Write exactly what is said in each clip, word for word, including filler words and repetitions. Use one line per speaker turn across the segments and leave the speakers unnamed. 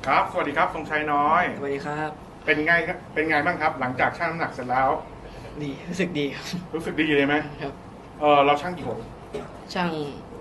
ครับ สวัสดีครับทรงชัยน้อย
สวัสดีครับ
เป็นไงครับเป็นไงบ้างครับ หลังจากชั่งน้ำหนักเสร็จแล้ว
ดีรู้สึกดีครับ
รู้สึกดีเลยไหม
ครับ
เออเราชั่งกี่หน
ช่าง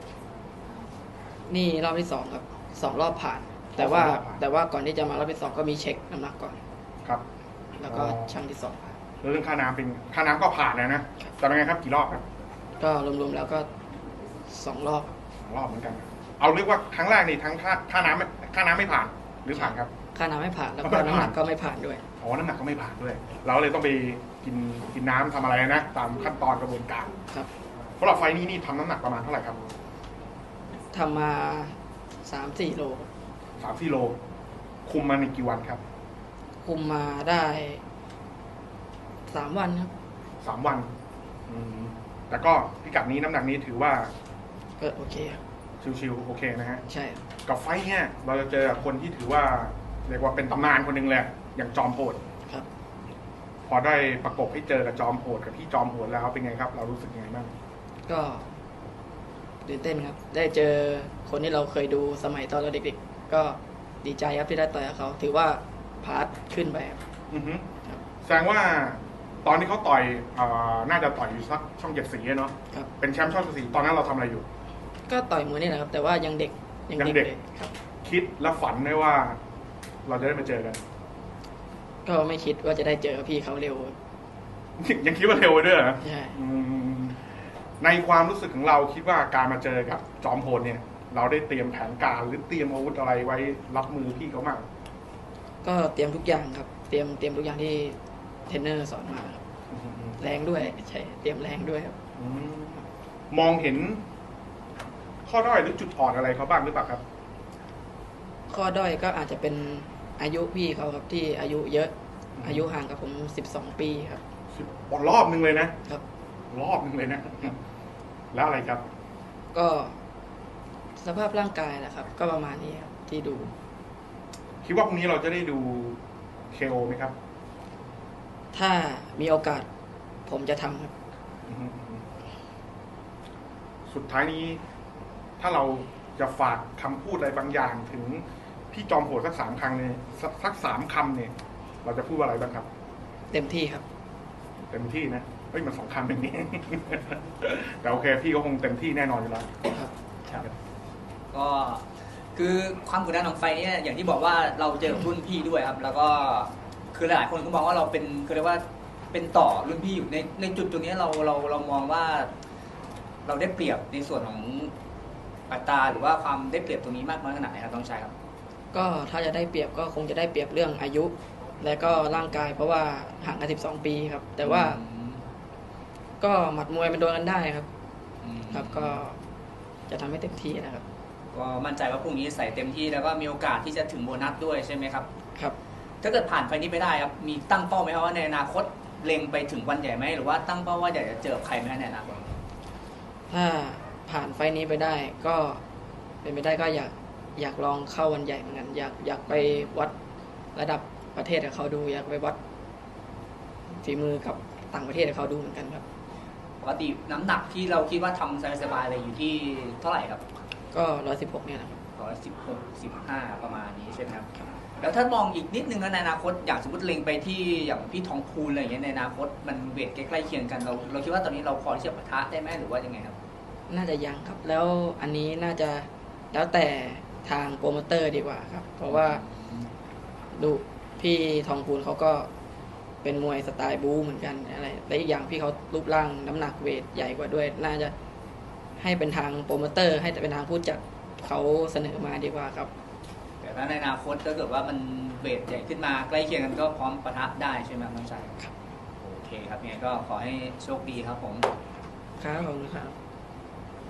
นี่รอบที่สองครับสองรอบผ่าน แต่ว่าแต่ว่าก่อนที่จะมารอบที่สองก็มีเช็คน้ำหนักก่อน
ครับ
แล้วก็ช่างที่สองผ่าน
แล้วเรื่องค่าน้ำเป็นค่าน้ำก็ผ่านแล้วนะแต่เป็นไงครับกี่รอบครับ
ก็รวมๆแล้วก็สองรอบ
สองรอบเหมือนกัน เอาเรียกว่าครั้งแรกนี่ทั้งค่าค่าน้ำไม่ค่าน้ำไม่ผ่านหรือผ่านครับ
ค่าน้ำไม่ผ่านแล้วก็น้ำหนักก็ไม่ผ่านด้วย
อ๋อน้ำหนักก็ไม่ผ่านด้วย เราเลยต้องไปกินกินน้ำทำอะไรนะตามขั้นตอนกระบวนการ
ครับ
สำหรับไฟนี้นี่ทำน้ำหนักประมาณเท่าไหร่ครับ
ทำมาสามสี่โล
สามสี่โลคุมมาในกี่วันครับ
คุมมาได้สามวันครับ
สามวันอืมแต่ก็พิกัดนี้น้ำหนักนี้ถือว่า
ก็โอเคครับ
ชิวๆโอเคนะฮะ
ใช่
กับไฟเนี่ยเราจะเจอคนที่ถือว่าเรียกว่าเป็นตำนานคนหนึ่งเลยอย่างจอมโหด
ครับ
พอได้ประกบให้เจอกับจอมโหดกับพี่จอมโหดแล้วเป็นไงครับ เรารู้สึกยังไงบ้าง
ก็ตื่นเต้นครับได้เจอคนที่เราเคยดูสมัยตอนเราเด็กๆก็ดีใจครับที่ได้ต่อยกับเขาถือว่าพาร์ทขึ้นไปครับ
อือฮึแสดงว่าตอนที่เขาต่อยน่าจะต่อยอยู่สักช่องเจ็ดสีเนาะเป็นแชมป์ช่องเจ็ดสีตอนนั้นเราทำอะไรอยู่
ก็ต่อยมวยนี่แหละครับแต่ว่ายังเด็ก
ยังเด็กครับคิดและฝันได้ว่า เราจะได้มาเจอกัน
ก็ไม่คิดว่าจะได้เจอพี่เขาเร็ว
ยังคิดว่าเร็วด้วยเหรอ
ใช่
ในความรู้สึกของเราคิดว่าการมาเจอกับจอมโหดเนี่ย เราได้เตรียมแผนการหรือเตรียมอาวุธอะไรไว้รับมือพี่เขามาก
ก็เตรียมทุกอย่างครับ เตรียมเตรียมทุกอย่างที่เทรนเนอร์สอนมาครับแรงด้วยใช่เตรียมแรงด้วยครับ
มองเห็นข้อด้อยหรือจุดอ่อนอะไรเขาบ้างหรือเปล่าครับ
ข้อด้อยก็อาจจะเป็นอายุพี่เขาครับที่อายุเยอะอายุห่างกับผมสิบสองปีครับ
สิบรอบนึงเลยนะครับรอบนึงเลยนะแล้วอะไรครับ
ก็สภาพร่างกายแหละครับก็ประมาณนี้ครับที่ดู
คิดว่าพรุ่งนี้เราจะได้ดู เค โอ ไหมครับ
ถ้ามีโอกาสผมจะทำครับ
สุดท้ายนี้ถ้าเราจะฝากคำพูดอะไรบางอย่างถึงพี่จอมโหดสักสามครั้งเนี่ยสักสามคำเนี่ยเราจะพูดอะไรบ้างครับ
เต็มที่ครับ
เต็มที่นะเฮ้ยมันสองคำอย่างนี้แต่โอเคพี่ก็คงเต็มที่แน่นอนอยู่แล้ว
ครับ
ครับก็คือความกดดันของไฟเนี่ยอย่างที่บอกว่าเราเจอรุ่นพี่ด้วยครับแล้วก็คือหลายคนก็มองว่าเราเป็นคือเรียกว่าเป็นต่อรุ่นพี่อยู่ในในจุดตรงนี้เราเราเรามองว่าเราได้เปรียบในส่วนของอัตราหรือว่าความได้เปรียบตรงนี้มากน้อยขนาดไหนครับต้องใช้ครับ
ก็ถ้าจะได้เปรียบก็คงจะได้เปรียบเรื่องอายุ และก็ร่างกายเพราะว่าห่างกันสิบสองปีครับแต่ว่าก็หมัดมวยมันโดนกันได้ครับครับก็จะทำให้เต็มที่นะครับ
ก็มั่นใจว่าพรุ่งนี้ใส่เต็มที่แล้วก็มีโอกาสที่จะถึงโบนัสด้วยใช่ไหมครับ
ครับ
ถ้าเกิดผ่านไฟนี้ไปได้ครับมีตั้งเป้าไหมครับว่าในอนาคตเล็งไปถึงวันใหญ่ไหมหรือว่าตั้งเป้าว่าอยากจะเจอใครไหมในอนาคต
ถ้าผ่านไฟนี้ไปได้ก็เป็นไปได้ก็อยากอยากลองเข้าวันใหญ่เหมือนกันอยากอยากไปวัดระดับประเทศกับเขาดูอยากไปวัดฝีมือกับต่างประเทศกับเขาดูเหมือนกันครับ
ปกติน้ำหนักที่เราคิดว่าทำสบายๆเลยอยู่ที่เท่าไหร่ครับ
ก็ร้อยสิบหกเนี่ยนะครับ
ร้อยสิบหกสิบห้าประมาณนี้ใช่ไหมครับแล้วถ้ามองอีกนิดนึงในอนาคตอย่างสมมติเล็งไปที่อย่างพี่ทองพูนอะไรอย่างเงี้ยในอนาคตมันเวทใกล้ๆเคียงกันเราเราคิดว่าตอนนี้เราพอที่จะปะทะได้ไหมหรือว่ายังไงครับ
น่าจะยังครับแล้วอันนี้น่าจะแล้วแต่ทางโปรโมเตอร์ดีกว่าครับเพราะว่าดูพี่ทองพูนเขาก็เป็นมวยสไตล์บู๊เหมือนกันอะไรและอีกอย่างพี่เขารูปร่างน้ำหนักเวทใหญ่กว่าด้วยน่าจะให้เป็นทางโปรโมเตอร์ให้แต่เป็นทางผู้จัดเขาเสนอมาดีกว่าครับ
แต่ถ้าในอนาคตถ้าเกิดว่ามันเวทใหญ่ขึ้นมาใกล้เคียงกันก็พร้อมปะทะได้ใช่ไหมน้องชาย
ครับ
โอเคครับยังไงก็ขอให้โชคดีครับผม
ครับผมครับ